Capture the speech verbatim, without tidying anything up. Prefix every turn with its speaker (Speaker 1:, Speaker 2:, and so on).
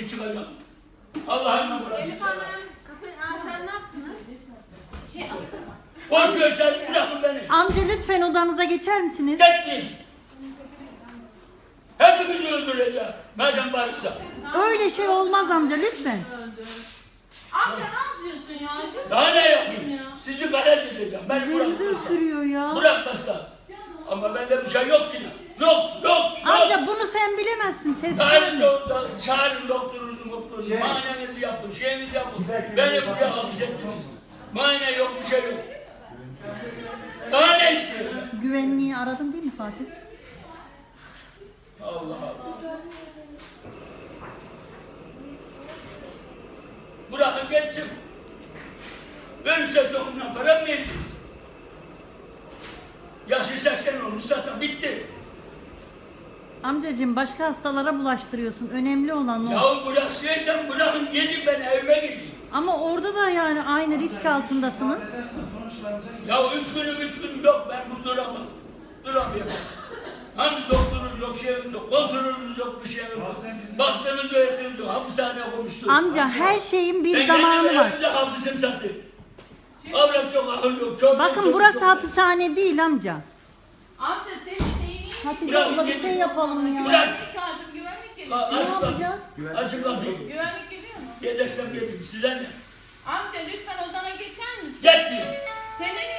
Speaker 1: gibi çıkacağım. Allah'ın burası.
Speaker 2: Elif Hanım, kapı anahtarı ne yaptınız? Şey astım.
Speaker 1: Korkuyorsan bırakın beni.
Speaker 3: Amca lütfen odanıza geçer misiniz?
Speaker 1: Gitmeyin. Hepimizi öldüreceğim. Madem varsa.
Speaker 3: Öyle şey olmaz amca lütfen.
Speaker 4: Amca ne yapıyorsun ya?
Speaker 1: Daha ne yapayım? Sizi galet edeceğim. Beni
Speaker 3: Üzerimizi
Speaker 1: bırakmazsa.
Speaker 3: ısırıyor ya.
Speaker 1: Bırakmazsa. Ama bende bir şey yok ki. Yok, yok, yok.
Speaker 3: Amca bunu sen bilemezsin. Test
Speaker 1: Çağırın,
Speaker 3: edemem.
Speaker 1: doktor, çağırın doktorunuzu, doktorunuzu.
Speaker 5: Şey.
Speaker 1: Muayenenizi yapın, şeyinizi yapın.
Speaker 5: Giderken
Speaker 1: Beni
Speaker 5: bir
Speaker 1: buraya
Speaker 5: bakın.
Speaker 1: hapsettiniz. Muayene yok, bir şey yok. Daha ne istiyorsun?
Speaker 3: Güvenliği aradın değil mi Fatih?
Speaker 1: Allah Allah. Bırakın geçsin. Ölürse sonuna para mı verdiniz? Yaşı seksen olmuş zaten bitti.
Speaker 3: Amcacığım başka hastalara bulaştırıyorsun. Önemli olan o.
Speaker 1: Yahu bıraksaysan bırakın gidin ben evime gideyim.
Speaker 3: Ama orada da yani aynı risk altındasınız.
Speaker 1: Ya üç günüm üç gün yok ben bu duramam. Duramıyorum. Hani doktorunuz yok, şeyimiz yok, kontrolünüz yok, bir şeyimiz yok. Baktığınız öğretiniz yok, hapishaneye koymuşsunuz.
Speaker 3: Amca her şeyin bir
Speaker 1: ben
Speaker 3: zamanı
Speaker 1: kendim
Speaker 3: var.
Speaker 1: evimde hapisim satayım. Avrat yok, ahıl yok, çok
Speaker 3: Bakın
Speaker 1: çok,
Speaker 3: burası
Speaker 1: çok,
Speaker 3: hapishane değil amca.
Speaker 4: Amca senin neyin?
Speaker 3: Hatice
Speaker 1: Bırak,
Speaker 3: abla bir
Speaker 1: gidin.
Speaker 3: şey yapalım ya.
Speaker 1: Bırak.
Speaker 4: Güvenlik çağırdım, güvenlik
Speaker 1: Ka-
Speaker 4: geliyor.
Speaker 3: Ne
Speaker 1: Açık kapıyı.
Speaker 3: yapacağız?
Speaker 1: Açık kapıyı.
Speaker 4: Güvenlik geliyor mu?
Speaker 1: Yedeksen gelin, size ne?
Speaker 4: Amca lütfen odana geçer misin?
Speaker 1: Gitmeyin.
Speaker 4: Senin